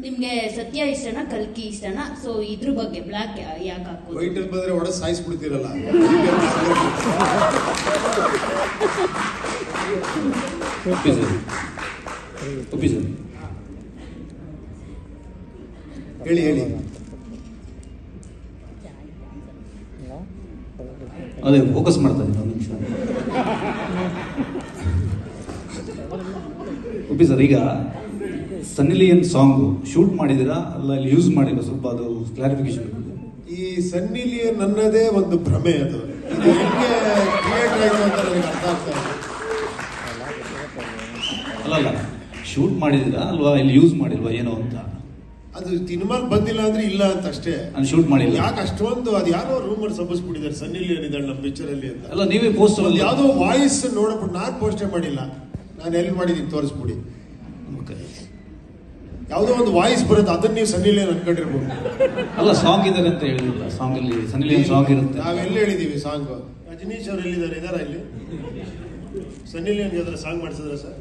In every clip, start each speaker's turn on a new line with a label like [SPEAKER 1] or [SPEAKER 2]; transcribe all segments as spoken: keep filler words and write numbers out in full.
[SPEAKER 1] ನಿಮ್ಗೆ ಸತ್ಯ ಇಷ್ಟನಾ ಕಲ್ಕಿ ಇಷ್ಟನಾ? ಸೊ ಇದ್ರ ಬಗ್ಗೆ ಬ್ಲಾಕ್ ಯಾಕೆ ಹಾಕೋದು?
[SPEAKER 2] ವೈಟ್ ಬಂದ್ರೆ ಒಡ ಸಾಯಿಸ್ಬಿಡ್ತೀರಲ್ಲ. ಹೇಳಿ ಹೇಳಿ.
[SPEAKER 3] ಅದೇ ಫೋಕಸ್ ಮಾಡ್ತಾ ಇದ್ದೀನಿ ಒಂದು ನಿಮಿಷ. ಒಪ್ಪಿ ಸರ್, ಈಗ ಸನ್ನಿ ಲಿಯೋನ್ ಸಾಂಗ್ ಶೂಟ್ ಮಾಡಿದಿರಾ ಅಲ್ಲ ಇಲ್ಲಿ ಯೂಸ್ ಮಾಡಿಲ್ಲ? ಸ್ವಲ್ಪ ಅದು ಕ್ಲಾರಿಫಿಕೇಶನ್.
[SPEAKER 2] ಈ ಸನ್ನಿ ಲಿಯೋನ್ ನನ್ನದೇ ಒಂದು ಭ್ರಮೆ, ಅದು ಹೆಂಗೆ ಕ್ರಿಯೇಟ್ ಆಗಿದೆ ಅಂತ ನನಗೆ ಅರ್ಥ ಆಗ್ತಾ ಇದೆ.
[SPEAKER 3] ಅಲ್ಲಲ್ಲ, ಶೂಟ್ ಮಾಡಿದಿರಾ ಅಲ್ವಾ ಇಲ್ಲಿ ಯೂಸ್ ಮಾಡಿಲ್ವಾ ಏನೋ ಅಂತ?
[SPEAKER 2] ಅದು ಸಿನಿಮಾಲ್ ಬಂದಿಲ್ಲ ಅಂದ್ರೆ ಇಲ್ಲ ಅಂತ ಅಷ್ಟೇ.
[SPEAKER 3] ನಾನು ಶೂಟ್ ಮಾಡಿಲ್ಲ.
[SPEAKER 2] ಯಾಕೆ ಅಷ್ಟೊಂದು ಅದು ಯಾರೋ ರೂಮರ್ ಸಬ್ಬಿಸ್ಬಿಟ್ಟಿದ್ದಾರೆ ಸನ್ನಿ ಲಿಯೋನ್ ಇದ್ದಾಳೆ ನಮ್ಮ ಪಿಕ್ಚರ್ ಅಲ್ಲಿ ಅಂತ.
[SPEAKER 3] ಅಲ್ಲ, ನೀವೇ ಪೋಸ್ಟ್
[SPEAKER 2] ಅಲ್ಲಿ ಯಾವುದೋ ವಾಯ್ಸ್ ನೋಡ್ಬಿಟ್ಟು ನಾನು ಪೋಸ್ಟೇ ಮಾಡಿಲ್ಲ, ನಾನು ಎಲ್ಲಿ ಮಾಡಿದ್ದೀನಿ ತೋರಿಸ್ಬಿಡಿ. ಯಾವುದೋ ಒಂದು ವಾಯ್ಸ್ ಬರುತ್ತೆ, ಅದನ್ನ ನೀವು ಸನ್ನಿ ಲಿಯೋನ್ ಅನ್ಕೊಂಡಿರ್ಬೋದು.
[SPEAKER 3] ಅಲ್ಲ, ಸಾಂಗ್ ಇದ್ದಾರೆ ಅಂತ ಹೇಳಿಲ್ಲ. ಸಾಂಗ್ ಅಲ್ಲಿ ಸನ್ನಿ ಲಿಯೋನ್ ಸಾಂಗ್ ಇರುತ್ತೆ.
[SPEAKER 2] ನಾವೆಲ್ಲ ಹೇಳಿದೀವಿ ಸಾಂಗ್. ರಜನೀಶ್ ಅವ್ರು ಎಲ್ಲಿದ್ದಾರೆ? ಇದಾರ ಇಲ್ಲಿ? ಸನ್ನಿ ಲಿಯೋನ್ ಯಾವ್ದಾರ ಸಾಂಗ್ ಮಾಡಿಸಿದ್ರ ಸರ್?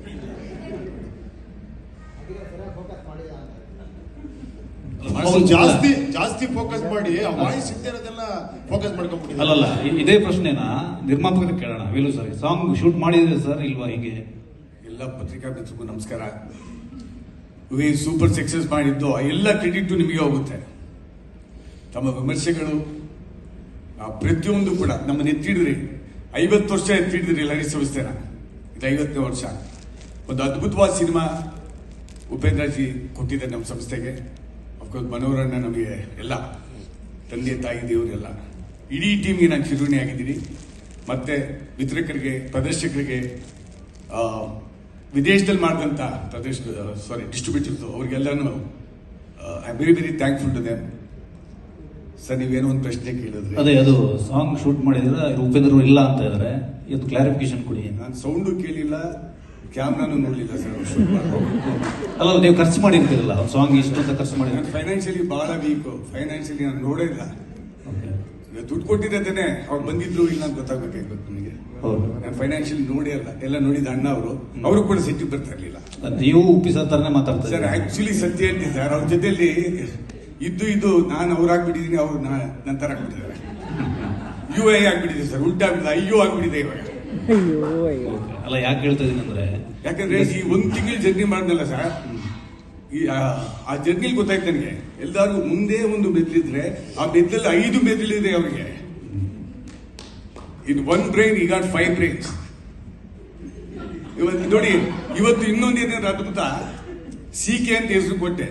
[SPEAKER 2] ಜಾಸ್ತಿ ಜಾಸ್ತಿ ಫೋಕಸ್ ಮಾಡಿ ಆ ವಾಯ್ಸ್ ಇದ್ದೆಲ್ಲ ಫೋಕಸ್ ಮಾಡ್ಕೊಂಡ್ಬಿಟ್ಟಿದ್ದಾರೆ.
[SPEAKER 3] ಅಲ್ಲಲ್ಲ, ಇದೇ ಪ್ರಶ್ನೆನ ನಿರ್ಮಾಪಕರಿಗೆ ಕೇಳೋಣ. ವೇಲು ಸರ್, ಸಾಂಗ್ ಶೂಟ್ ಮಾಡಿದ್ರೆ ಸರ್ ಇಲ್ವಾ? ಹೀಗೆ
[SPEAKER 4] ಎಲ್ಲ ಪತ್ರಿಕಾ ಮಿತ್ರರಿಗೂ ನಮಸ್ಕಾರ. ಈ ಸೂಪರ್ ಸಕ್ಸಸ್ ಮಾಡಿದ್ದು ಎಲ್ಲ ಕ್ರೆಡಿಟ್ ನಿಮಗೆ ಹೋಗುತ್ತೆ. ತಮ್ಮ ವಿಮರ್ಶೆಗಳು ಪ್ರತಿಯೊಂದು ಕೂಡ ನಮ್ಮನ್ನು ಎತ್ತಿಡಿದ್ರಿ. ಐವತ್ತು ವರ್ಷ ಎತ್ತಿಡಿದ್ರಿ ಲಹರಿ ಸಂಸ್ಥೆನ. ಇದು ಐವತ್ತನೇ ವರ್ಷ. ಒಂದು ಅದ್ಭುತವಾದ ಸಿನಿಮಾ ಉಪೇಂದ್ರ ಜಿ ಕೊಟ್ಟಿದ್ದಾರೆ ನಮ್ಮ ಸಂಸ್ಥೆಗೆ. ಅಫ್ಕೋರ್ಸ್ ಮನೋರಣ್ಣ ನಮಗೆ ಎಲ್ಲ ತಂದೆ ತಾಯಿ ದೇವರೆಲ್ಲ ಇಡೀ ಟೀಮ್ಗೆ ನಾನು ಚಿರುಣಿ ಆಗಿದ್ದೀನಿ. ಮತ್ತೆ ವಿತರಕರಿಗೆ, ಪ್ರದರ್ಶಕರಿಗೆ, ವಿದೇಶದಲ್ಲಿ ಮಾಡಿದಂಥ ಪ್ರದೇಶ ಸಾರಿ ಡಿಸ್ಟ್ರಿಬ್ಯೂಟರ್ಸ್ ಅವ್ರಿಗೆಲ್ಲನೂ I am very very thankful to them. Sir, ನೀವೇನೋ ಒಂದು ಪ್ರಶ್ನೆ ಕೇಳಿದ್ರಿ.
[SPEAKER 3] ಅದೇ, ಅದು ಸಾಂಗ್ ಶೂಟ್ ಮಾಡಿದ್ರೆ ಉಪೇಂದ್ರ ಇಲ್ಲ ಅಂತ ಇದ್ದಾರೆ. ಇದು ಕ್ಲಾರಿಫಿಕೇಶನ್ ಕೊಡಿ.
[SPEAKER 4] ನಾನು ಸೌಂಡು ಕೇಳಿಲ್ಲ, ಕ್ಯಾಮ್ರಾನು ನೋಡಲಿಲ್ಲ ಸರ್.
[SPEAKER 3] ಅಲ್ಲ, ನೀವು ಖರ್ಚು ಮಾಡಿರ್ತೀರಲ್ಲ ಸಾಂಗ್ ಇಷ್ಟು ಅಂತ ಖರ್ಚು ಮಾಡಿ.
[SPEAKER 4] ನಾನು ಫೈನಾನ್ಷಿಯಲಿ ಬಹಳ ವೀಕು. ಫೈನಾನ್ಷಿಯಲಿ ನಾನು ನೋಡೇ ಇಲ್ಲ. ದುಡ್ಡು ಕೊಟ್ಟಿದ್ದೇನೆ, ಅವ್ರು ಬಂದಿದ್ರು ಇಲ್ಲ ಅಂತ ಗೊತ್ತಾಗಬೇಕಾಗಿತ್ತು ನನಗೆ. ನಾನು ಫೈನಾನ್ಷಿಯಲಿ ನೋಡಿ ಅಲ್ಲ, ಎಲ್ಲ ನೋಡಿದ ಅಣ್ಣ ಅವರು ಅವರು ಕೂಡ ಸಿಟ್ಟಿಗೆ ಬರ್ತಾ ಇರಲಿಲ್ಲ.
[SPEAKER 3] ನೀವು ಉಪ್ಪಿಸ ತರನೇ ಮಾತಾಡ್ತಾರೆ
[SPEAKER 4] ಸರ್. ಆಕ್ಚುಲಿ ಸತ್ಯ ಹೇಳ್ತೀನಿ ಸರ್, ಅವ್ರ ಜೊತೆಯಲ್ಲಿ ಇದ್ದು ಇದು ನಾನು ಅವ್ರು ಆಗ್ಬಿಟ್ಟಿದ್ದೀನಿ, ಅವ್ರು ನನ್ನ ತರ ಆಗ್ಬಿಟ್ಟಿದ್ದಾರೆ. ಯು ಐ ಆಗ್ಬಿಟ್ಟಿದೆ ಸರ್, ಉಲ್ಟಾ ಆಗ್ಬಿಟ್ಟಿದೆ, ಅಯ್ಯೋ ಆಗ್ಬಿಟ್ಟಿದೆ ಇವಾಗ.
[SPEAKER 3] ಅಲ್ಲ, ಯಾಕೆ ಹೇಳ್ತಾ ಇದೀನಿ ಅಂದ್ರೆ,
[SPEAKER 4] ಯಾಕಂದ್ರೆ ಈ ಒಂದ್ ತಿಂಗಳು ಜರ್ನಿ ಮಾಡಿದ್ನಲ್ಲ ಸರ್, ಈ ಆ ಜರ್ನಿಲಿ ಗೊತ್ತಾಯ್ತು ನನಗೆ. ಎಲ್ಲಾರು ಮುಂದೆ ಒಂದು ಮೆದ್ಲಿದ್ರೆ ಆ ಮೆದ್ಲಲ್ಲಿ ಐದು ಮೆದ್ಲಿದೆ ಅವ್ರಿಗೆ. ಇದು one brain, he got five brains. ಇವತ್ತು ನೋಡಿ, ಇವತ್ತು ಇನ್ನೊಂದು ಏನಾದ್ರು ಅದ್ಭುತ, ಸಿ ಕೆ ಅಂತ ಹೆಸರು ಕೊಟ್ಟೆ.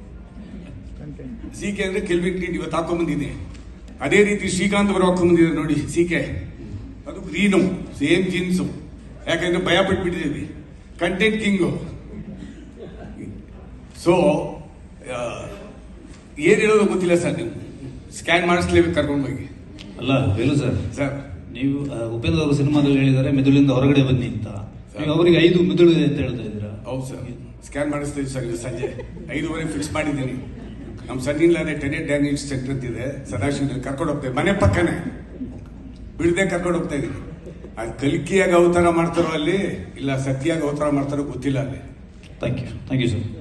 [SPEAKER 4] ಸಿ ಕೆ ಅಂದ್ರೆ ಕೆಲ್ವಿನ್ ಕ್ಲೀನ್ ಇವತ್ತು ಹಾಕೊಂಡ್ಬಂದಿದೆ. ಅದೇ ರೀತಿ ಶ್ರೀಕಾಂತ್ ಅವರು ಹಾಕೊಂಡ್ಬಂದಿದ್ದಾರೆ ನೋಡಿ, ಸಿ ಕೆ. ಅದು ಗ್ರೀನು, ಸೇಮ್ ಜೀನ್ಸು. ಯಾಕಂದ್ರೆ ಭಯ ಪಟ್ಬಿಟ್ಟಿದ್ದೀವಿ. Content king. ಸೊ ಏನ್ ಹೇಳೋದು ಗೊತ್ತಿಲ್ಲ ಸರ್. ನೀವು ಸ್ಕ್ಯಾನ್ ಮಾಡಿಸ್ಲೇಬೇಕು ಕರ್ಕೊಂಡು ಹೋಗಿ.
[SPEAKER 3] ಅಲ್ಲ ವೇಲು ಸರ್,
[SPEAKER 4] ಸರ್
[SPEAKER 3] ನೀವು ಉಪೇಂದ್ರ ಅವರು ಸಿನಿಮಾದಲ್ಲಿ ಹೇಳಿದ್ದಾರೆ ಮೆದುಳಿಂದ ಹೊರಗಡೆ ಬನ್ನಿ ಅಂತ. ನೀವು ಅವರಿಗೆ ಐದು ಮೆದುಳು ಇದೆ ಅಂತ ಹೇಳ್ತಾ ಇದ್ದೀರಾ?
[SPEAKER 4] ಹೌದು ಸರ್, ಸ್ಕ್ಯಾನ್ ಮಾಡಿಸ್ತೀವಿ ಸರ್. ಇದು ಸಂಜೆ ಐದುವರೆ ಫಿಕ್ಸ್ ಮಾಡಿದ್ದೀನಿ. ನಮ್ಮ ಸನ್ನಿಲ್ಲಾನೆ ಟೆನೆಟ್ ಡ್ಯಾಮೇಜ್ ಸೆಂಟರ್ ಅಂತಿದೆ ಸದಾಶಿವದಲ್ಲಿ, ಕರ್ಕೊಂಡು ಹೋಗ್ತೇವೆ. ಮನೆ ಪಕ್ಕನೇ ಬಿಡದೆ ಕರ್ಕೊಂಡು ಹೋಗ್ತಾ ಇದ್ದೀನಿ. ಅದು ಕಲ್ಕಿಯಾಗಿ ಅವತಾರ ಮಾಡ್ತಾರೋ ಅಲ್ಲಿ, ಇಲ್ಲ ಸತ್ಯಾಗಿ ಅವತಾರ ಮಾಡ್ತಾರೋ ಗೊತ್ತಿಲ್ಲ ಅಲ್ಲಿ.
[SPEAKER 3] Thank you thank you sir.